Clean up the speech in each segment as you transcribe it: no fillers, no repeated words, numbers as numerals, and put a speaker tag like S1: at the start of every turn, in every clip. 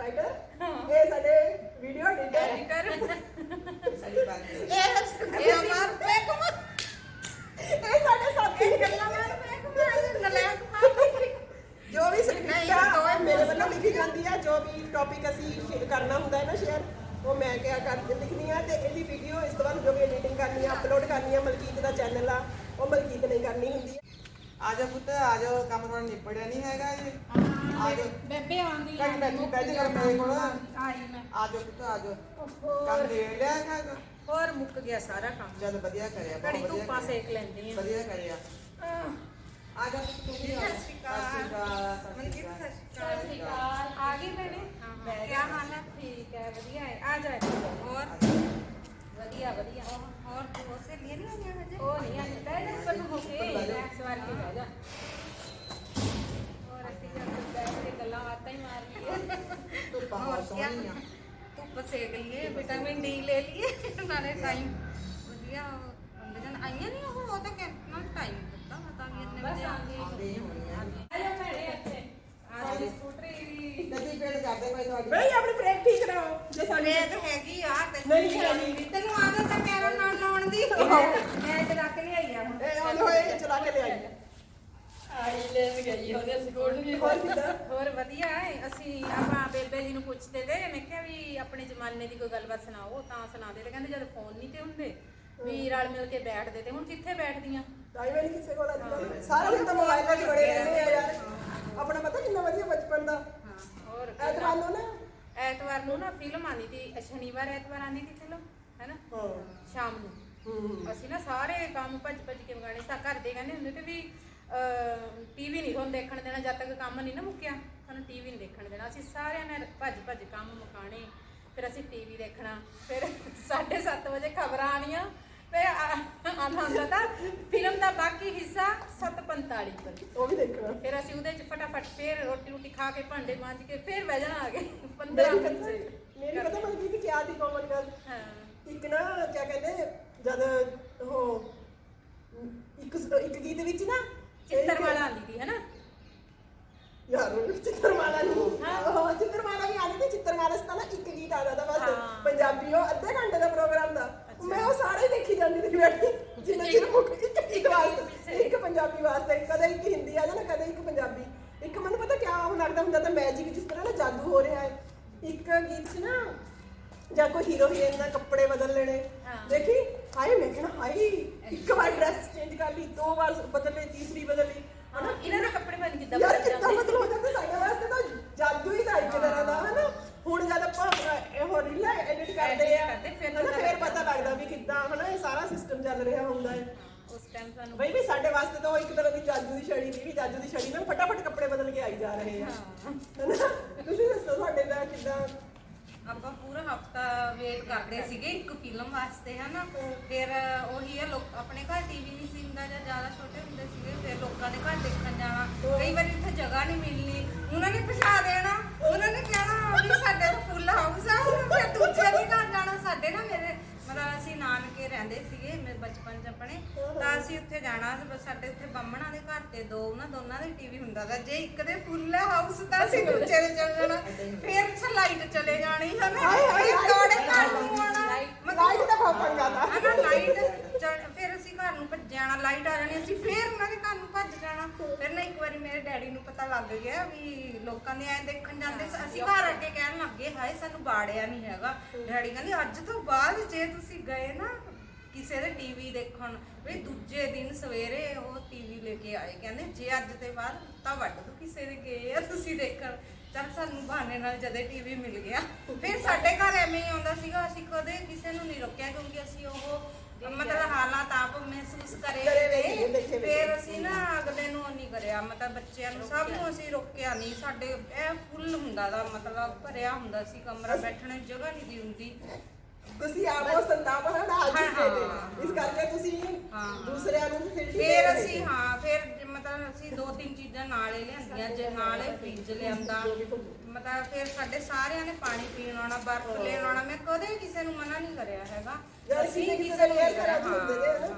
S1: Writer ਇਹ ਸਾਡੇ video editor
S2: ਸਾਡੀ ਬਾਤ
S3: ਇਹ ਮਾਰ ਪੈਕ
S1: ਇਹ ਸਾਡੇ ਸਾਥੀ
S3: ਗੱਲਾਂ ਮਾਰ ਪੈਕ ਨਲਾਇਕ ਮਾਰ
S1: ਜੋ ਵੀ ਸਕ੍ਰਿਪਟ ਮੇਰੇ ਵੱਲੋਂ ਲਿਖੀ ਜਾਂਦੀ ਆ ਜੋ ਵੀ ਟੌਪਿਕ ਅਸੀਂ ਕਰਨਾ ਹੁੰਦਾ ਹੈ ਨਾ ਸ਼ੇਅਰ ਉਹ ਮੈਂ ਕਿਹਾ ਕਰ ਲਿਖਣੀ ਆ ਤੇ ਇਹਦੀ ਵੀਡੀਓ ਇਸ ਤੋਂ ਬਾਅਦ ਜੋ ਵੀ ਐਡੀਟਿੰਗ ਕਰਨੀ ਆ ਅਪਲੋਡ ਕਰਨੀ ਆ ਮਲਕੀਤ ਦਾ ਚੈਨਲ ਆ ਉਹ ਮਲਕੀਤ ਨੇ ਕਰਨੀ ਹੁੰਦੀ ਆ
S2: ਆ ਜਾ ਪੁੱਤ ਆ ਜਾ ਕੰਮ ਥੋੜਾ ਨਿਪੜਿਆ ਨਹੀਂ ਹੈਗਾ ਜੀ ਆ ਜਾ
S3: ਬੇਬੇ ਆਉਂਦੀ
S2: ਕੱਟ ਬੈਠੀ ਬੈਠ ਕਰ ਮੇਰੇ ਕੋਲ
S3: ਆਈ ਮੈਂ
S2: ਆ ਜਾ ਪੁੱਤ ਆ ਜਾ ਕੰਮ ਦੇ ਲਿਆ ਹੈਗਾ
S3: ਹੋਰ ਮੁੱਕ ਗਿਆ ਸਾਰਾ ਕੰਮ
S2: ਜਦ ਵਧੀਆ ਕਰਿਆ ਬਹੁਤ
S3: ਘੜੀ
S2: ਵਧੀਆ
S3: ਧੁੱਪਾਂ ਸੇਕ ਲੈਂਦੀ ਆ
S2: ਵਧੀਆ ਕਰਿਆ ਆ ਜਾ ਪੁੱਤ ਤੂੰ ਵੀ ਆ
S3: ਸਤਿ ਸ਼੍ਰੀ ਅਕਾਲ।
S2: ਮਨਕੀਤ
S3: ਸਤਿ ਸ਼੍ਰੀ ਅਕਾਲ ਆ ਗਈ ਭੈਣੇ ਕੀ ਹਾਲ ਹੈ ਠੀਕ ਹੈ ਵਧੀਆ ਹੈ ਆ ਜਾ ਹੋਰ ਵਧੀਆ ਵਧੀਆ ਹੋਰ ਤੂੰ ਉਸੇ ਲਈ ਨਹੀਂ ਆਈਆਂ ਹਜੇ ਉਹ ਨਹੀਂ ਆਈ ਬਹਿ ਜਾ ਪਰ ਹੋ ਕੇ ਰਿਲੈਕਸ ਵਾਰ ਕੇ ਬਹਿ ਜਾ ਹੋਰ ਅਸੀਂ ਜਦ ਬੈਠ ਕੇ ਗੱਲਾਂ ਬਾਤਾਂ ਹੀ ਮਾਰ ਲਈਏ
S2: ਤੂੰ ਬਹੁਤ ਸੋਹਣੀ ਆ
S3: ਧੁੱਪ ਸੇਕ ਲਈਏ ਵਿਟਾਮਿਨ ਡੀ ਲੈ ਲਈਏ ਨਾਲੇ ਟਾਈਮ ਵਧੀਆ ਹੁੰਦੇ ਜਨ ਆਈਆਂ ਨਹੀਂ ਉਹ ਤਾਂ ਕਿੰਨਾ ਟਾਈਮ ਦਿੱਤਾ ਪਤਾ ਨਹੀਂ ਇੰਨੇ ਵਜੇ
S2: ਆਉਂਦੇ ਹੀ ਹੋਣੀ ਆ
S3: ਆਜਾ ਭੈਣੇ ਇੱਥੇ ਆ ਜੀ ਸਕੂਟਰੀ
S2: ਨਦੀ ਪੇੜ ਕਰਦੇ ਪਏ ਤੁਹਾਡੀ
S1: ਬਈ ਆਪਣੀ ਬ੍ਰੇਕ ਠੀਕ ਕਰਾਓ ਜੇ ਸਾਡੇ
S3: ਰੇਤ ਹੈਗੀ ਆ
S1: ਨਹੀਂ ਹੈਗੀ।
S3: ਤੈਨੂੰ ਆਦਤ ਤਾਂ ਕਹਿ ਨਾਲ ਲਾਉਣ ਦੀ ਮੈਂ ਚਲਾ ਕੇ ਲਿਆਈ ਆ
S1: ਇਹ ਆਉਂਦੇ ਹੋਏ ਚਲਾ ਕੇ ਲਿਆਈ
S3: ਆਈ ਲੈ ਗਈ ਉਹਦੇ ਸਕੂਟਰੀ
S1: ਹੋਰ ਕਿੱਦਾਂ
S3: ਹੋਰ ਵਧੀਆ ਹੈ ਅਸੀਂ ਆਪਾਂ ਬੇਬੇ ਜੀ ਨੂੰ ਪੁੱਛਦੇ ਤੇ ਮੈਂ ਕਿਹਾ ਵੀ ਆਪਣੇ ਜ਼ਮਾਨੇ ਦੀ ਕੋਈ ਗੱਲਬਾਤ ਸੁਣਾਓ ਤਾਂ ਸੁਣਾਦੇ ਤੇ ਕਹਿੰਦੇ ਜਦ ਫੋਨ ਨਹੀਂ ਤੇ ਹੁੰਦੇ ਵੀ ਰਲ ਮਿਲ ਕੇ ਬੈਠਦੇ ਤੇ ਹੁਣ ਕਿੱਥੇ ਬੈਠਦੀਆਂ
S1: ਟਾਈਮ ਨਹੀਂ ਕਿਸੇ ਕੋਲ ਅੱਜ ਸਾਰਾ ਦਿਨ ਤਾਂ ਮੋਬਾਈਲਾਂ 'ਚ ਬੜੇ ਰਹਿੰਦੇ ਆ ਯਾਰ ਆਪਣਾ ਪਤਾ ਕਿੰਨਾ ਵਧੀਆ ਬਚਪਨ ਦਾ
S3: ਹਾਂ ਹੋਰ
S1: ਐਤਵਾਰ ਨੂੰ ਨਾ
S3: ਐਤਵਾਰ ਨੂੰ ਨਾ ਫਿਲਮ ਆਉਂਦੀ ਸੀ ਸ਼ਨੀਵਾਰ ਐਤਵਾਰ ਆਉਂਦੀ ਸੀ ਫਿਲਮ ਹੈਨਾ
S1: ਹਾਂ
S3: ਸ਼ਾਮ ਨੂੰ ਅਸੀਂ ਨਾ ਸਾਰੇ ਕੰਮ ਭੱਜ ਭੱਜ ਕੇ ਮਗਾਣੇ ਸਾ ਘਰ ਦੇ ਕਹਿੰਦੇ ਹੁੰਦੇ ਤੇ ਵੀ ਟੀਵੀ ਨਹੀਂ ਤੁਹਾਨੂੰ ਦੇਖਣ ਦੇਣਾ ਜਦ ਤੱਕ ਕੰਮ ਨਹੀਂ ਨਾ ਮੁੱਕਿਆ ਸਾਨੂੰ ਟੀਵੀ ਨਹੀਂ ਦੇਖਣ ਦੇਣਾ ਅਸੀਂ ਸਾਰਿਆਂ ਨੇ ਭੱਜ ਭੱਜ ਕੰਮ ਮੁਕਾਣੇ ਫਿਰ ਅਸੀਂ ਟੀਵੀ ਦੇਖਣਾ ਫਿਰ 7:30 ਵਜੇ ਖਬਰਾਂ ਆਣੀਆਂ ਫਿਰ ਆਉਂਦਾ ਹੁੰਦਾ ਤਾਂ ਫਿਲਮ ਦਾ ਬਾਕੀ ਹਿੱਸਾ 7:45 ਪਰ
S1: ਉਹ ਵੀ ਦੇਖਣਾ
S3: ਫਿਰ ਅਸੀਂ ਉਹਦੇ ਚ ਫਟਾਫਟ ਫਿਰ ਰੋਟੀ ਖਾ ਕੇ ਭਾਂਡੇ ਮਾਂਜ ਕੇ ਫਿਰ ਬਹਿ ਜਾਣਾ ਆ ਗਏ 15 ਮਿੰਟ
S1: ਮੇਰੀ ਪਤਾ ਮਲਕੀਤ ਕੀ ਆਦੀ ਕੋਮਨ ਗੱਲ
S3: ਹਾਂ
S1: ਇੱਕ ਨਾ ਕੀ ਕਹਿੰਦੇ ਜਦ ਉਹ ਇੱਕ ਗੀਤ ਵਿੱਚ ਨਾ
S3: ਚਿੱਤਰਮਾਲਾ ਆਉਂਦੀ ਸੀ ਹੈਨਾ
S1: ਯਾਰ ਚਿੱਤਰਮਾਲਾ ਨਹੀਂ ਹਾਂ ਚਿੱਤਰਮਾਲਾ ਵੀ ਆਉਂਦੀ ਤੇ ਚਿੱਤਰਮਾਲਾ ਸਤਾ ਨਾ ਇੱਕ ਗੀਤ ਆਦਾ ਦਾ ਬਸ ਪੰਜਾਬੀ ਉਹ ਅੱਧੇ ਘੰਟੇ ਦਾ ਪ੍ਰੋਗਰਾਮ ਦਾ ਮੈਂ ਉਹ ਸਾਰੇ ਦੇਖੀ ਜਾਂਦੀ ਸੀ ਬੈਠੀ ਜਿੰਨਾ ਚਿਰ ਮੁੱਕ ਇੱਕ ਵਾਸਤੇ ਇੱਕ ਪੰਜਾਬੀ ਵਾਸਤੇ ਕਦੇ ਇੱਕ ਹਿੰਦੀ ਆ ਜਾਣਾ ਕਦੇ ਇੱਕ ਪੰਜਾਬੀ ਇੱਕ ਮੈਨੂੰ ਪਤਾ ਕਿਆ ਉਹ ਲੱਗਦਾ ਹੁੰਦਾ ਤਾਂ ਮੈਜਿਕ ਜਿਸ ਤਰ੍ਹਾਂ ਨਾ ਜਾਦੂ ਹੋ ਰਿਹਾ ਹੈ ਇੱਕ ਗੀਤ 'ਚ ਨਾ ਜਾਂ ਕੋਈ ਹੀਰੋ ਹੀਰੋਇਨ ਦਾ ਕੱਪੜੇ ਬਦਲ ਲੈਣੇ ਦੇਖੀ ਹਾਏ ਮੈਂ ਕਹਿਣਾ ਹਾਏ ਇੱਕ ਵਾਰ ਡਰੈਸ ਚੇਂਜ ਕਰ ਲਈ ਦੋ ਵਾਰ ਬਦਲ ਲਈ ਤੀਸਰੀ ਬਦਲ ਲਈ
S3: ਹਾਂ ਇਹਨਾਂ ਦੇ ਕੱਪੜੇ ਬਣ ਕਿੱਦਾਂ
S1: ਯਾਰ
S3: ਬਦਲ
S1: ਕਿੱਦਾਂ
S3: ਜਾਂਦੇ
S1: ਬਦਲ ਹੋ ਜਾਂਦਾ ਸਾਡੇ ਵਾਸਤੇ ਤਾਂ ਜਾਦੂ ਹੀ ਦਾ ਇੱਕ ਤਰ੍ਹਾਂ ਦਾ ਹਨਾ ਹੁਣ ਜਦ ਆਪਾਂ ਇਹ ਰੀਲਾਂ ਐਡਿਟ ਕਰਦੇ ਆ ਫਿਰ ਪਤਾ ਲੱਗਦਾ ਵੀ ਕਿੱਦਾਂ ਹਨਾ ਇਹ ਸਾਰਾ ਸਿਸਟਮ ਚੱਲ ਰਿਹਾ ਹੁੰਦਾ ਹੈ
S3: ਉਸ ਟਾਈਮ ਸਾਨੂੰ
S1: ਬਈ ਵੀ ਸਾਡੇ ਵਾਸਤੇ ਤਾਂ ਉਹ ਇੱਕ ਤਰ੍ਹਾਂ ਦੀ ਜਾਦੂ ਦੀ ਛੜੀ ਸੀ ਵੀ ਜਾਦੂ ਦੀ ਛੜੀ ਨਾਲ ਫਟਾਫਟ ਕੱਪੜੇ ਬਦਲ ਕੇ ਆਈ ਜਾ ਰਹੇ ਆ ਹਨਾ ਤੁਸੀਂ ਦੱਸੋ ਤੁਹਾਡੇ ਦਾ ਕਿੱਦਾਂ
S3: ਆਪਾਂ ਪੂਰਾ ਹਫਤਾ ਵੇਟ ਕਰਦੇ ਸੀਗੇ ਇੱਕ ਫਿਲਮ ਵਾਸਤੇ ਹਨਾ ਫਿਰ ਉਹੀ ਹੈ ਲੋਕ ਆਪਣੇ ਘਰ ਟੀਵੀ ਨਹੀਂ ਸੀ ਹੁੰਦਾ ਜਾਂ ਜ਼ਿਆਦਾ ਛੋਟੇ ਹੁੰਦੇ ਸੀਗੇ ਫਿਰ ਲੋਕਾਂ ਦੇ ਘਰ ਦੇਖਣ ਜਾਣਾ ਕਈ ਵਾਰੀ ਇੱਥੇ ਜਗ੍ਹਾ ਨਹੀਂ ਮਿਲਣੀ ਉਹਨਾਂ ਨੇ ਪਛਾ ਦੇਣਾ ਉਹਨਾਂ ਨੇ ਕਹਿਣਾ ਵੀ ਸਾਡੇ ਤਾਂ ਫੁੱਲ ਹਾਊਸ ਆ ਫਿਰ ਦੂਜੇ ਦੇ ਘਰ ਜਾਣਾ ਸਾਡੇ ਨਾ ਮੇਰੇ ਮਤਲਬ ਅਸੀਂ ਨਾਨਕੇ ਰਹਿੰਦੇ ਸੀਗੇ ਮੇਰੇ ਬਚਪਨ 'ਚ ਆਪਣੇ ਤਾਂ ਅਸੀਂ ਉੱਥੇ ਜਾਣਾ ਸਾਡੇ ਉੱਥੇ ਬੰਮਣਾ ਦੇ ਘਰ ਤੇ ਦੋਨਾਂ ਦੇ ਟੀਵੀ ਹੁੰਦਾ ਤਾਂ ਜੇ ਇੱਕ ਦੇ ਫੁੱਲ ਹਾਊਸ ਤਾਂ ਅਸੀਂ ਦੂਜੇ ਦੇ ਚਲੇ ਜਾਣਾ ਫਿਰ ਲਾਈਟ ਚਲੇ ਜਾਣੀ ਹਨਾ ਦੌੜੇ ਘਰ ਨੂੰ ਆਉਣਾ
S1: ਲਾਈਟ ਦਾ ਬਹੁਤ ਪੰਗਾ ਦਾ
S3: ਹਨਾ ਲਾਈਟ ਫਿਰ ਅਸੀਂ ਘਰ ਨੂੰ ਭੱਜ ਜਾਣਾ ਲਾਈਟ ਆ ਜਾਣੀ ਅਸੀਂ ਫਿਰ ਉਹਨਾਂ ਦੇ ਘਰ ਨੂੰ ਭੱਜ ਜਾਣਾ ਫਿਰ ਨਾ ਇੱਕ ਵਾਰੀ ਮੇਰੇ ਡੈਡੀ ਨੂੰ ਪਤਾ ਲੱਗ ਗਿਆ ਵੀ ਲੋਕਾਂ ਨੇ ਐ ਦੇਖਣ ਜਾਂਦੇ ਅਸੀਂ ਘਰ ਅੱਗੇ ਕਹਿਣ ਲੱਗੇ ਹਾਏ ਸਾਨੂੰ ਬਾੜਿਆ ਨਹੀਂ ਹੈਗਾ ਡੈਡੀ ਕਹਿੰਦੇ ਅੱਜ ਤੋਂ ਬਾਅਦ ਜੇ ਤੁਸੀਂ ਗਏ ਨਾ ਕਿਸੇ ਦੇ ਟੀਵੀ ਦੇਖਣ ਵੀ ਦੂਜੇ ਦਿਨ ਸਵੇਰੇ ਉਹ ਟੀਵੀ ਲੈ ਕੇ ਆਏ ਕਹਿੰਦੇ ਜੇ ਅੱਜ ਤੇ ਬਾਅਦ ਤਾਂ ਵੱਢ ਦੋ ਕਿਸੇ ਦੇ ਗਏ ਆ ਤੁਸੀਂ ਦੇਖਣ ਚੱਲ ਸਾਨੂੰ ਬਹਾਨੇ ਨਾਲ ਜਦੇ ਟੀਵੀ ਮਿਲ ਗਿਆ ਫਿਰ ਸਾਡੇ ਘਰ ਐਵੇਂ ਹੀ ਆਉਂਦਾ ਸੀਗਾ ਅਸੀਂ ਕਦੇ ਕਿਸੇ ਨੂੰ ਨਹੀਂ ਰੋਕਿਆ ਕਿਉਂਕਿ ਅਸੀਂ ਉਹ ਮਤਲਬ ਹਾਲਾਤ ਆਪ ਮਹਿਸੂਸ ਕਰੇ ਫਿਰ ਅਸੀਂ ਨਾ ਅਗਲੇ ਨੂੰ ਨਹੀਂ ਕਰਿਆ ਮਤਲਬ ਬੱਚਿਆਂ ਨੂੰ ਸਭ ਨੂੰ ਅਸੀਂ ਰੋਕਿਆ ਨਹੀਂ ਸਾਡੇ ਇਹ ਫੁੱਲ ਹੁੰਦਾ ਦਾ ਮਤਲਬ ਭਰਿਆ ਹੁੰਦਾ ਸੀ ਕਮਰਾ ਬੈਠਣ ਦੀ ਜਗ੍ਹਾ ਨਹੀਂ ਦੀ ਹੁੰਦੀ
S1: ਤੁਸੀਂ ਆਪੋ ਸੰਤਾਪ ਹਨਾ ਅੱਜ ਦੇ ਇਸ ਕਰਕੇ ਤੁਸੀਂ ਦੂਸਰਿਆਂ ਨੂੰ
S3: ਫਿਰ ਅਸੀਂ ਫਿਰ ਮਤਲਬ ਅਸੀਂ 2-3 ਚੀਜ਼ਾਂ ਨਾਲ ਹੀ ਲਿਆਂਦੀਆਂ ਜੇ ਨਾਲ ਹੀ ਫ੍ਰਿਜ ਲਿਆਂਦਾ ਮਤਲਬ ਫਿਰ ਸਾਡੇ ਸਾਰਿਆਂ ਨੇ ਪਾਣੀ ਪੀਣ ਆਉਣਾ ਬਰਫ਼ ਲੈਣ ਆਉਣਾ ਮੈਂ ਕਦੇ ਕਿਸੇ ਨੂੰ ਮਨਾ ਨਹੀਂ ਕਰਿਆ ਹੈਗਾ
S1: ਅਸੀਂ ਕਿਸੇ ਦੇ ਵੇਅਰ ਕਰਾ ਹੁੰਦੇ ਨੇ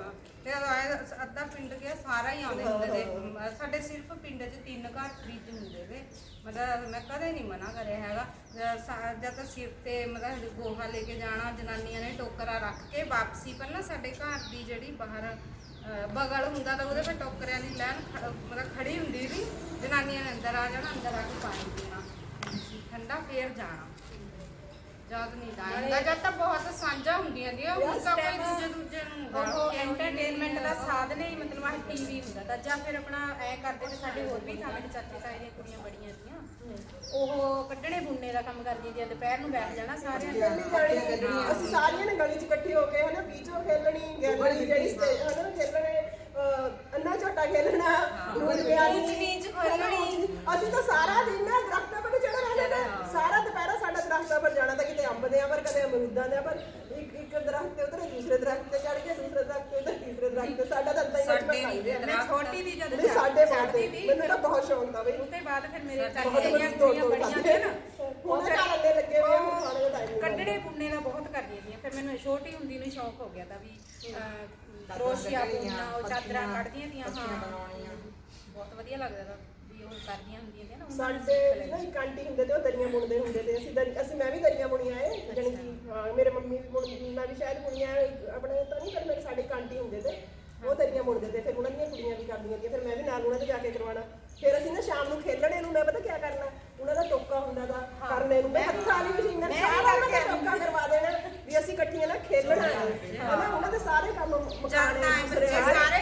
S3: ਤੇ ਅੱਧਾ ਪਿੰਡ ਗਿਆ ਸਾਰਾ ਹੀ ਆਉਂਦੇ ਹੁੰਦੇ ਨੇ। ਸਾਡੇ ਸਿਰਫ ਪਿੰਡ 'ਚ 3 ਘਰ ਫ੍ਰਿਜ ਹੁੰਦੇ ਨੇ, ਮਤਲਬ ਮੈਂ ਕਦੇ ਨਹੀਂ ਮਨਾ ਕਰਿਆ ਹੈਗਾ। ਜਦ ਤਾਂ ਸਿਰ ਤੇ ਮਤਲਬ ਗੋਹਾ ਲੈ ਕੇ ਜਾਣਾ, ਜਨਾਨੀਆਂ ਨੇ ਟੋਕਰਾ ਰੱਖ ਕੇ ਵਾਪਸੀ ਪਹਿਲਾਂ ਸਾਡੇ ਘਰ ਦੀ ਜਿਹੜੀ ਬਾਹਰ ਬਗਲ ਹੁੰਦਾ ਤਾਂ ਉਹਦੇ 'ਤੇ ਟੋਕਰਿਆਂ ਦੀ ਲਾਈਨ ਮਤਲਬ ਖੜੀ ਹੁੰਦੀ ਸੀ। ਜਨਾਨੀਆਂ ਨੇ ਅੰਦਰ ਆ ਜਾਣਾ, ਅੰਦਰ ਆ ਕੇ ਪਾਣੀ ਪੀਣਾ ਠੰਡਾ, ਫੇਰ ਜਾਣਾ। ਜਦ ਨਹੀਂ ਜਾਣਾ ਜਦ ਤਾਂ ਬਹੁਤ ਸਾਂਝਾਂ ਹੁੰਦੀਆਂ ਦੀਆਂ, ਹੁਣ ਤਾਂ ਕੋਈ ਦੂਜੇ ਨੂੰ
S4: ਉਹ ਐਂਟਰਟੇਨਮੈਂਟ ਦਾ ਸਾਧਨ ਹੀ ਮਤਲਬ ਆਹ ਟੀਵੀ ਹੁੰਦਾ ਤਾਂ, ਜਾਂ ਫਿਰ ਆਪਣਾ ਐ ਕਰਦੇ ਤੇ ਸਾਡੇ ਹੋਰ ਵੀ ਸਾਡੇ ਚਾਚੇ ਤਾਏ ਦੀਆਂ ਕੁੜੀਆਂ ਬੜੀਆਂ ਸੀਆਂ, ਉਹ ਕੱਢਣੇ ਬੁਣਨੇ ਦਾ ਕੰਮ ਕਰਦੀਆਂ ਸੀ। ਦੁਪਹਿਰ ਨੂੰ ਬੈਠ ਜਾਣਾ ਸਾਰਿਆਂ ਨੇ,
S1: ਅਸੀਂ ਸਾਰੀਆਂ ਨੇ ਗਲੀ 'ਚ ਇਕੱਠੇ ਹੋ ਕੇ ਹਨਾ ਬੀਚੋ ਖੇਲਣੀ, ਗੈਲਰੀ ਜਿਹੜੀ ਹਨਾ ਖੇਲਣੇ, ਅੰਨਾ ਝੋਟਾ ਖੇਲਣਾ, ਰੂਲ
S3: ਨੀਚ ਖੇਲਣੀ।
S1: ਅਸੀਂ ਤਾਂ ਸਾਰਾ ਦਿਨ ਨਾ ਦਰਖਤਾਂ 'ਤੇ ਚੜ੍ਹ ਰਹਿੰਦੇ ਨੇ, ਸਾਰਾ ਦੁਪਹਿਰਾ ਸਾਡਾ ਦਰਖਤਾਂ 'ਪਰ ਜਾਣਾ ਤਾਂ ਕਿਤੇ ਅੰਬ ਦੇ ਆ ਪਰ ਕਦੇ ਅਮਰੂਦਾਂ ਦੇ ਆ ਪਰ ਇੱਕ ਦਰਖਤ ਤੇ ਉਤਰੇ, ਦੂਸਰੇ ਦਰਖਤ ਤੇ ਚੜ੍ਹ ਕੇ, ਦੂਸਰੇ ਦਰਖਤ ਤੇ ਉਤਰੇ, ਤੀਸਰੇ ਦਰਖਤ ਤੇ। ਸਾਡਾ ਤਾਂ ਏਦਾਂ ਹੀ
S4: ਮੈਂ ਛੋਟੀ ਦੀ ਜਦ
S1: ਨਹੀਂ ਸਾਡੇ
S4: ਚੜ੍ਹਦੀ
S1: ਬਾਤ
S4: ਸੀ,
S1: ਮੈਨੂੰ ਤਾਂ ਬਹੁਤ ਸ਼ੌਂਕ ਦਾ ਬਈ।
S4: ਉਹ ਤੋਂ ਬਾਅਦ ਫਿਰ ਮੇਰੇ
S1: ਬਹੁਤ
S4: ਚਾਚੇ ਦੀਆਂ ਕੁੜੀਆਂ ਬੜੀਆਂ ਸੀ ਨਾ,
S1: ਉਹ ਫਿਰ ਖਾਣੇ ਲੱਗੇ ਹੋਏ ਆ, ਖਾਣੇ ਦਾ ਟਾਈਮ
S4: ਕੱਢਣੇ ਬੁਣਨੇ ਦਾ ਬਹੁਤ ਕਰਦੀਆਂ ਸੀ। ਫਿਰ ਮੈਨੂੰ ਛੋਟੀ ਹੁੰਦੀ ਨੂੰ ਸ਼ੌਂਕ ਹੋ ਗਿਆ ਤਾਂ ਵੀ ਕਰੋਸ਼ੀਆ ਬੁਣਨਾ, ਉਹ ਚਾਦਰਾਂ ਕੱਢਦੀਆਂ ਤੀਆਂ। ਹਾਂ, ਬਹੁਤ ਵਧੀਆ ਲੱਗਦਾ ਤਾਂ ਵੀ ਉਹ ਕਰਦੀਆਂ ਹੁੰਦੀਆਂ ਸੀ ਨਾ।
S1: ਸਾਡੇ ਨਾ ਇੱਕ ਆਂਟੀ ਹੁੰਦੇ ਤੇ ਉਹ ਦਰੀਆਂ ਬੁਣਦੇ ਹੁੰਦੇ ਤੇ, ਅਸੀਂ ਮੈਂ ਵੀ ਦਰੀਆਂ ਬੁਣੀਆਂ ਏ, ਜਾਣੀ ਕਿ ਮੇਰੇ ਮੰਮੀ ਵੀ ਮੈਂ ਵੀ ਸ਼ਾਇਦ ਬੁਣੀਆਂ ਆਪਣੇ ਤਾਂ ਨਹੀਂ, ਪਰ ਮੇਰੇ ਸਾਡੇ ਇੱਕ ਆਂਟੀ ਹੁੰਦੇ ਤੇ ਉਹ ਦਰੀਆਂ ਬੁਣਦੇ ਤੇ, ਫਿਰ ਉਹਨਾਂ ਦੀਆਂ ਕੁੜੀਆਂ ਵੀ ਕਰਦੀਆਂ ਸੀ, ਫਿਰ ਮੈਂ ਵੀ ਨਾਲ ਉਹਨਾਂ ਦੇ ਜਾ ਕੇ ਕਰਵਾਉਣਾ। ਫਿਰ ਅਸੀਂ ਨਾ ਸ਼ਾਮ ਨੂੰ ਖੇਲਣੇ ਨੂੰ ਮੈਂ ਪਤਾ ਕੀ ਕਰਨਾ, ਉਹਨਾਂ ਦਾ ਟੋਕਾ ਹੁੰਦਾ ਦਾ ਕਰਨੇ ਨੂੰ, ਮੈਂ ਹੱਥਾਂ ਵਾਲੀ ਮਸ਼ੀਨ ਨਾਲ ਸਾਰਾ ਉਹਨਾਂ ਦਾ ਟੋਕਾ ਕਰਵਾ ਦੇਣਾ ਵੀ ਅਸੀਂ ਇਕੱਠੀਆਂ ਨਾ ਖੇਲਣਾ ਹੈ ਹਨਾ। ਉਹਨਾਂ ਦੇ ਸਾਰੇ ਕੰਮ ਮੁਕਾਣੇ,
S3: ਸਾਰੇ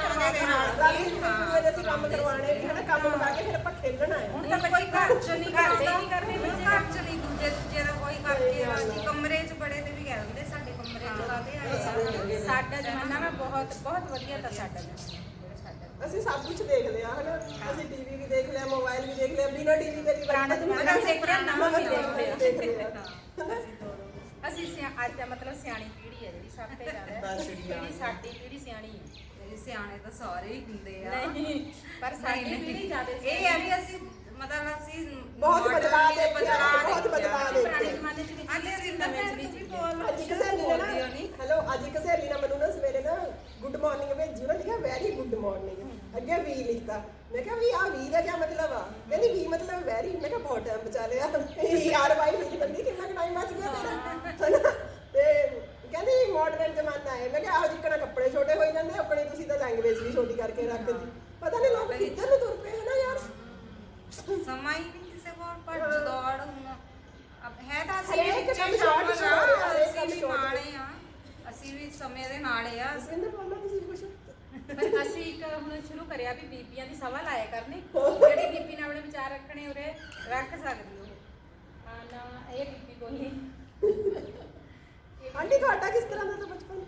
S1: ਅਸੀਂ ਕੰਮ ਕਰਵਾਉਣੇ ਵੀ ਹਨਾ, ਕੰਮ ਮੁਕਾ ਕੇ ਫਿਰ ਆਪਾਂ ਖੇਲਣਾ ਹੈ।
S3: ਹੁਣ ਤਾਂ ਕੋਈ ਘਰ 'ਚ ਨਹੀਂ ਕਰਦੇ, ਘਰ 'ਚ ਨਹੀਂ ਦੂਜੇ ਦਾ ਕੋਈ ਕਰਕੇ ਰਾਜੀ, ਕਮਰੇ 'ਚ ਬੜੇ ਤੇ ਵੀ ਕਹਿ ਦਿੰਦੇ ਸਾਡੇ ਕਮਰੇ 'ਚ ਕਾਹਦੇ ਆਏ ਆ।
S4: ਸਾਡਾ ਜ਼ਮਾਨਾ ਨਾ ਬਹੁਤ ਬਹੁਤ ਵਧੀਆ ਤਾਂ ਸਾਡਾ ਜ਼ਮਾਨਾ।
S1: ਅਸੀਂ ਸਭ ਕੁਝ ਦੇਖ ਲਿਆ ਹਨਾ, ਅਸੀਂ ਟੀਵੀ ਵੀ ਦੇਖ ਲਿਆ, ਮੋਬਾਈਲ ਵੀ ਦੇਖ ਲਿਆ, ਬਿਨਾਂ ਟੀਵੀ ਦੇ ਵੀ
S4: ਪੁਰਾਣਾ ਜ਼ਮਾਨਾ ਦੇਖਿਆ, ਨਵਾਂ ਵੀ ਦੇਖ ਲਿਆ।
S1: ਲਿਆ।
S4: ਅਸੀਂ ਅੱਜ ਦਾ ਮਤਲਬ ਸਿਆਣੀ ਪੀੜ੍ਹੀ ਹੈ ਜਿਹੜੀ ਸਭ ਤੋਂ ਜ਼ਿਆਦਾ, ਜਿਹੜੀ ਸਾਡੀ ਪੀੜ੍ਹੀ ਸਿਆਣੀ ਹੈ।
S3: ਸਿਆਣੇ ਤਾਂ ਸਾਰੇ ਹੀ ਹੁੰਦੇ ਆ,
S4: ਨਹੀਂ ਪਰ ਸਾਡੀ ਪੀੜ੍ਹੀ ਜ਼ਿਆਦਾ
S3: ਇਹ ਹੈ ਵੀ ਅਸੀਂ ਮਤਲਬ ਅਸੀਂ
S1: ਬਹੁਤ ਬਦਲਾਅ ਦੇਖਿਆ, ਬਹੁਤ ਬਦਲਾਅ
S4: ਪੁਰਾਣੇ
S1: ਦੇਖਿਆ।
S4: ਜ਼ਮਾਨੇ 'ਚ ਵੀ
S3: ਅੱਜ ਅਸੀਂ ਨਵੇਂ 'ਚ ਵੀ
S1: ਅੱਜ ਇੱਕ ਸਹੇਲੀ ਨੇ ਨਾ ਹੈਲੋ, ਅੱਜ ਇੱਕ ਸਹੇਲੀ ਨੇ ਮੈਨੂੰ ਨਾ ਸਵੇਰੇ ਨਾ ਗੁੱਡ ਮਾਰਨਿੰਗ ਭੇਜੀ, ਉਹਨੇ ਲਿਖਿਆ ਵੈਰੀ ਗੁੱਡ ਮਾਰਨਿੰਗ, ਅੱਗੇ ਵੀ ਲਿਖਤਾ। ਮੈਂ ਕਿਹਾ ਵੀ ਆ ਵੀ ਦਾ ਕੀ ਮਤਲਬ ਆ? ਕਹਿੰਦੀ ਵੀ ਮਤਲਬ ਵੈਰੀ। ਮੈਂ ਕਿਹਾ ਬਹੁਤ ਟਾਈਮ ਬਚਾ ਲਿਆ ਯਾਰ, ਬਾਈ ਲਿਖ ਦਿੰਦੀ ਕਿੰਨਾ ਟਾਈਮ ਬਚ ਗਿਆ ਤੇਰਾ ਹਨਾ। ਤੇ ਕਹਿੰਦੀ ਮਾਡਰਨ ਜ਼ਮਾਨਾ ਹੈ। ਮੈਂ ਕਿਹਾ ਆਹੋ ਜਿੱਕਣਾ ਕੱਪੜੇ ਛੋਟੇ ਹੋਈ ਜਾਂਦੇ ਆਪਣੇ, ਤੁਸੀਂ ਤਾਂ ਲੈਂਗੁਏਜ ਵੀ ਛੋਟੀ ਕਰਕੇ ਰੱਖਦੀ। ਪਤਾ ਨਹੀਂ ਲੋਕ ਕਿੱਧਰ ਨੂੰ ਤੁਰ ਪਏ ਹਨਾ ਯਾਰ।
S3: ਸਮਾਂ ਹੀ ਨਹੀਂ ਕਿਸੇ ਕੋਲ, ਭੱਜ ਦੌੜ ਹੁਣ ਹੈ ਤਾਂ ਅਸੀਂ
S1: ਹਰੇਕ
S3: ਵਿੱਚ
S1: ਕੰਮ
S3: ਸ਼ਾਮਲ
S1: short short ਆ, ਹਰੇਕ
S3: ਅਸੀਂ
S1: ਕੰਮ
S3: ਵੀ
S1: short।
S3: ਨਾਲੇ ਆ, ਅਸੀਂ ਵੀ ਸਮੇਂ ਦੇ ਨਾਲੇ ਆ।
S1: ਸਿੰਦਰ ਬੋਲੋ ਤੁਸੀਂ ਕੁਝ।
S4: ਪਰ ਅਸੀਂ ਇੱਕ ਹੁਣ ਸ਼ੁਰੂ ਕਰਿਆ ਵੀ ਬੀਬੀਆਂ ਦੀ ਸਭਾ ਲਾਇਆ ਕਰਨੀ, ਜਿਹੜੀ ਬੀਬੀ ਨੇ ਆਪਣੇ ਵਿਚਾਰ ਰੱਖਣੇ ਉਰੇ ਰੱਖ ਸਕਦੀ ਉਹ। ਹਾਂ ਨਾ ਇਹ ਬੀਬੀ ਬੋਲੀ।
S1: ਆਂਟੀ ਤੁਹਾਡਾ ਕਿਸ ਤਰ੍ਹਾਂ ਦਾ ਤਾਂ ਬਚਪਨ?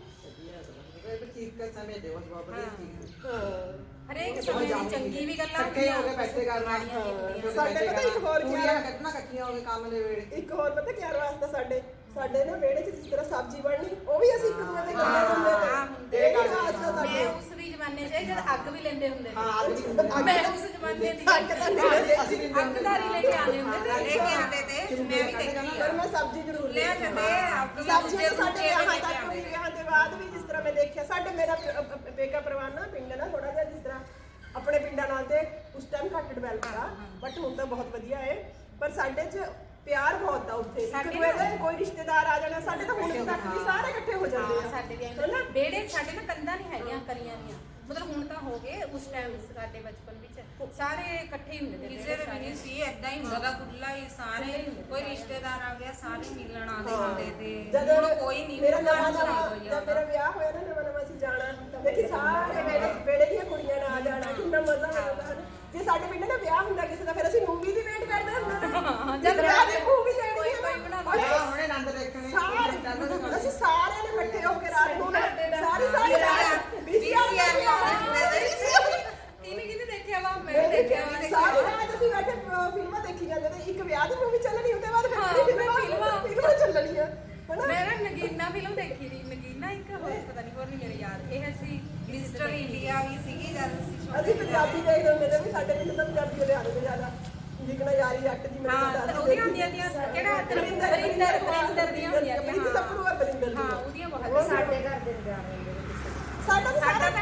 S4: ਹਰੇਕ ਸਮੇਂ ਦੀ ਚੰਗੀ ਵੀ ਗੱਲਾਂ
S2: ਇਕੱਠੇ ਹੋ ਕੇ ਬੈਠੇ ਕਰਨਾ,
S1: ਸਾਡੇ ਪਤਾ ਇੱਕ ਹੋਰ
S2: ਕੁੜੀਆਂ ਕੱਢਣਾ ਇਕੱਠੀਆਂ ਹੋ ਕੇ ਕੰਮ ਦੇ ਵੇਲੇ।
S1: ਇੱਕ ਹੋਰ ਪਤਾ ਕੀ ਵਾਸਤਾ ਸਾਡੇ ਨਾ ਵਿਹੜੇ 'ਚ ਜਿਸ ਤਰ੍ਹਾਂ ਸਬਜ਼ੀ ਬਣਨੀ, ਉਹ ਵੀ ਅਸੀਂ ਇੱਕ ਦੂਜੇ ਦੇ ਕਰਦੇ ਹੁੰਦੇ ਤੇ। ਇਹ ਵਾਸਤਾ
S4: ਮੈਂ
S1: ਸਾਡੇ
S4: ਉਸ ਵੀ ਜ਼ਮਾਨੇ 'ਚ ਜਦ ਅੱਗ ਵੀ ਲੈਂਦੇ ਹੁੰਦੇ
S2: ਹਾਂ,
S4: ਸੀ, ਮੈਂ ਉਸ ਜ਼ਮਾਨੇ ਦੀ
S2: ਅਸੀਂ ਵੀ
S4: ਅੱਗਦਾਰੀ ਲੈ ਕੇ ਆਉਂਦੇ ਹੁੰਦੇ
S3: ਲੈ
S4: ਤੇ।
S3: ਕੇ ਆਉਂਦੇ ਤੇ ਮੈਂ ਵੀ ਦੇਖੀ
S1: ਪਰ ਮੈਂ ਸਬਜ਼ੀ ਜ਼ਰੂਰ
S3: ਲੈ ਜਾਂਦੇ
S1: ਸਬਜ਼ੀ ਤਾਂ ਸਾਡੇ ਵਿਆਹਾਂ ਤੱਕ ਵੀ, ਵਿਆਹਾਂ ਦੇ ਬਾਅਦ ਵੀ ਜਿਸ ਤਰ੍ਹਾਂ ਮੈਂ ਦੇਖਿਆ ਸਾਡੇ ਮੇਰਾ ਪੇਕਾ ਪਰਿਵਾਰ ਨਾ ਪਿੰਡ ਨਾ ਥੋੜਾ ਜਿਹਾ ਜਿਸ ਤਰ੍ਹਾਂ ਆਪਣੇ ਪਿੰਡਾਂ ਨਾਲ ਤੇ ਉਸ ਟਾਈਮ ਘੱਟ ਡਿਵੈਲਪ ਆ, ਬਟ ਹੁਣ ਤਾਂ ਬਹੁਤ ਵਧੀਆ ਹੈ। ਪਰ ਸਾਡੇ 'ਚ ਪਿਆਰ ਬਹੁਤ ਆ ਉੱਥੇ, ਇੱਕ ਦੂਜੇ ਦੇ ਕੋਈ ਰਿਸ਼ਤੇਦਾਰ ਆ ਜਾਣਾ, ਸਾਡੇ ਤਾਂ ਹੁਣ ਤੱਕ ਵੀ ਸਾਰੇ ਇਕੱਠੇ ਹੋ ਜਾਂਦੇ ਆ
S4: ਸਾਡੇ ਦੇ ਵਿਹੜੇ ਸਾਡੇ ਨਾ ਕੰਧਾਂ ਨਹੀਂ ਹੈਗੀਆਂ ਕਰੀਆਂ ਦੀਆਂ, ਮਤਲਬ ਹੁਣ ਤਾਂ ਹੋ ਗਏ, ਉਸ ਟਾਈਮ ਸਾਡੇ ਬਚਪਨ ਵਿੱਚ ਸਾਰੇ ਇਕੱਠੇ ਹੀ ਹੁੰਦੇ ਸੀ।
S3: ਕਿਸੇ ਦੇ ਵੀ ਨਹੀਂ ਸੀ, ਏਦਾਂ ਹੀ ਹੁੰਦਾ ਖੁੱਲਾ ਹੀ, ਸਾਰੇ ਕੋਈ ਰਿਸ਼ਤੇਦਾਰ ਆ ਗਿਆ ਸਾਰੇ ਮਿਲਣ ਆਉਂਦੇ ਹੁੰਦੇ ਤੇ। ਹੁਣ ਕੋਈ ਨਹੀਂ,
S1: ਮੇਰਾ
S3: ਘਰ
S1: ਨਵਾਂ
S3: ਚ ਨਹੀਂ
S1: ਨਵਾਂ
S3: ਕੋਈ
S1: ਜਦ ਮੇਰਾ ਵਿਆਹ ਹੋਇਆ ਨਾ ਨਵਾਂ ਅਸੀਂ ਜਾਣਾ, ਦੇਖੀ ਸਾਰੇ ਵਿਹੜੇ ਦੀਆਂ ਕੁੜੀਆਂ ਨਾਲ ਆ ਜਾਣਾ, ਕਿੰਨਾ ਮਜ਼ਾ ਆਉਂਦਾ ਹੈ। ਜੇ ਸਾਡੇ ਪਿੰਡ ਨਾ ਵਿਆਹ ਹੁੰਦਾ ਕਿਸੇ ਦਾ, ਫਿਰ ਅਸੀਂ ਮੂਵੀ ਦੀ ਵੇਟ ਕਰਦੇ ਹੁੰਦੇ ਜਦ ਵਿਆਹ ਦੀ ਮੂਵੀ ਲੈਣੀ ਹੈ
S2: ਹੁਣੇ ਆਨੰਦ ਦੇਖਣੇ
S1: ਅਸੀਂ ਸਾਰਿਆਂ ਨੇ ਇਕੱਠੇ ਹੋ ਕੇ ਰਾਤ ਨੂੰ ਸਾਰੀ
S3: VCR
S4: ਕਿਹਨੇ ਦੇਖਿਆ ਵਾ? ਮੈਂ ਦੇਖਿਆ ਵਾ।
S1: ਸਾਰੀ ਰਾਤ ਅਸੀਂ ਬੈਠੇ ਫਿਲਮਾਂ ਦੇਖੀ ਜਾਂਦੇ ਤੇ ਇੱਕ ਵਿਆਹ ਦੀ ਮੂਵੀ ਚੱਲਣੀ, ਉਹਦੇ ਬਾਅਦ ਫਿਲਮਾਂ ਚੱਲਣੀਆਂ ਹਨਾ।
S4: ਮੈਂ ਨਾ ਨਗੀਨਾ ਫਿਲਮ ਦੇਖੀ ਸੀ, ਨਗੀਨਾ ਇੱਕ ਹੋਰ ਪਤਾ ਨਹੀਂ ਹੋਰ ਨਹੀਂ ਮੇਰੇ ਯਾਦ। ਇਹ ਸੀ
S3: ਮਿਸਟਰ ਇੰਡੀਆ ਵੀ ਸੀਗੀ ਜਦ
S1: ਅਸੀਂ ਪੰਜਾਬੀ ਦੇਖਦੇ ਹੁੰਦੇ ਨੇ ਵੀ ਸਾਡੇ ਪਿੰਡ ਤਾਂ ਪੰਜਾਬੀ ਵਾਲੇ ਆਉਂਦੇ ਜ਼ਿਆਦਾ, ਜਿਕਣਾ ਯਾਰੀ ਜੱਟ ਦੀ
S4: ਹਾਂ ਉਹਦੀਆਂ ਹੁੰਦੀਆਂ ਦੀਆਂ ਕਿਹੜਾ ਬਰਿੰਦਰ ਦੀਆਂ ਹੁੰਦੀਆਂ ਦੀਆਂ
S1: ਸਭ ਨੂੰ ਬਰਿੰਦਰ
S4: ਹਾਂ ਉਹਦੀਆਂ ਬਹੁਤ
S1: ਸਾਡੇ ਘਰ ਦੇ ਸਾਡਾ ਤਾਂ ਸਾਰਾ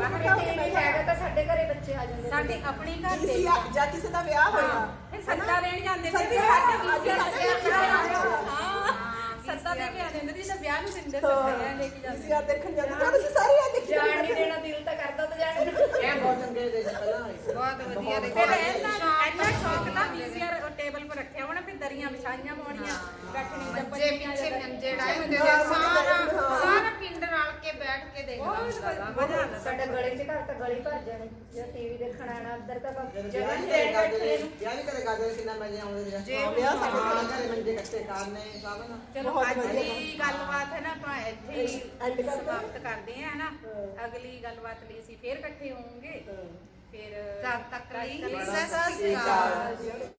S1: ਇਕੱਠਾ ਹੋ ਕੇ
S5: ਟੀਵੀ
S1: ਬੈਠਾ
S5: ਹੈਗਾ ਤਾਂ ਸਾਡੇ ਘਰੇ ਬੱਚੇ ਆ ਜਾਂਦੇ
S4: ਸਾਡੇ ਆਪਣੇ ਘਰ ਦੇ
S1: ਕਿਸੇ ਜਾਂ ਕਿਸੇ ਦਾ ਵਿਆਹ ਹੋਇਆ
S4: ਫਿਰ ਸੱਦਾ ਦੇਣ ਜਾਂਦੇ ਸੀ ਵੀ
S1: ਸੱਦਾ
S4: ਸਾਡੇ
S1: ਅੱਜ
S4: ਸੱਦਾ ਦੇ ਕੇ ਆ ਜਾਂਦੇ ਸੀ, ਤਾਂ ਵਿਆਹ ਨੂੰ ਦਿੰਦੇ ਸੱਦਾ ਲੈ ਕੇ ਜਾਂਦੇ
S1: ਤੁਸੀਂ ਆ ਦੇਖਣ ਜਾਂਦੇ ਤਾਂ ਤੁਸੀਂ ਸਾਰੇ ਆ ਦੇਖੀ
S5: ਜਾਣ ਨਹੀਂ ਦੇਣਾ, ਦਿਲ ਤਾਂ ਕਰਦਾ ਤਾਂ ਜਾਣ ਨੂੰ।
S2: ਇਹ ਬਹੁਤ ਚੰਗੇ ਦੇ ਸੀ ਪਹਿਲਾਂ
S3: ਬਹੁਤ ਵਧੀਆ ਦੇਖੋ
S4: ਫਿਰ ਇੰਨਾ ਸ਼ੌਕ ਦਾ ਵੀਸੀਆਰ ਟੇਬਲ 'ਤੇ ਰੱਖਿਆ ਹੋਣਾ, ਫਿਰ ਦਰੀਆਂ ਵਿਛਾਈਆਂ ਹੋਣੀਆਂ, ਬੈਠਣੀ
S3: ਮੰਜੇ ਪਿੱਛੇ ਮੰਜੇ ਡਾਏ ਹੁੰਦੇ ਸੀ, ਸਾਰਾ ਪਿੰਡ ਰਲ ਕੇ ਬੈਠ ਕੇ ਦੇਖਦਾ ਹੁੰਦਾ ਵਾ, ਮਜ਼ਾ ਆਉਂਦਾ
S5: ਸਾਡੇ ਗਲੀ 'ਚ ਘਰ ਤਾਂ ਗਲੀ ਭਰ ਜਾਣੀ, ਜੇ ਟੀਵੀ ਦੇਖਣ ਆਣਾ ਅੰਦਰ ਤਾਂ ਜਗ੍ਹਾ
S2: ਵਿਆਹ
S5: ਨਹੀਂ
S2: ਵੀ
S5: ਦੇਣੀ
S2: ਕਰਦੇ
S5: ਬੈਠਣੇ ਨੂੰ।
S2: ਵਿਆਹ ਵੀ ਕਦੇ ਕਰਦੇ ਕਿੰਨਾ ਮਜ਼ੇ ਆਉਂਦੇ ਸੀ
S3: ਜੇ
S1: ਵਿਆਹ ਸਾਡੇ
S2: ਹਾਂ ਘਰੇ ਮੰਜੇ ਇਕੱਠੇ ਕਰਨੇ ਸਭ ਨਾ
S4: ਚਲੋ
S1: ਬਹੁਤ
S4: ਅੱਜ
S1: ਵਧੀਆ
S4: ਦੀ ਗੱਲਬਾਤ ਹੈ ਨਾ ਆਪਾਂ ਇੱਥੇ ਹੀ
S1: End ਕਰਦੇ ਹਾਂ।
S4: ਸਮਾਪਤ ਕਰਦੇ ਹਾਂ ਨਾ। ਅਗਲੀ ਗੱਲਬਾਤ ਲਈ ਅਸੀਂ ਫੇਰ ਇਕੱਠੇ ਹੋਵਾਂਗੇ। ਫਿਰ
S3: ਤਦ ਤੱਕ ਲਈ
S4: ਤਦ ਤੱਕ
S3: ਸਤਿ ਸ਼੍ਰੀ ਅਕਾਲ।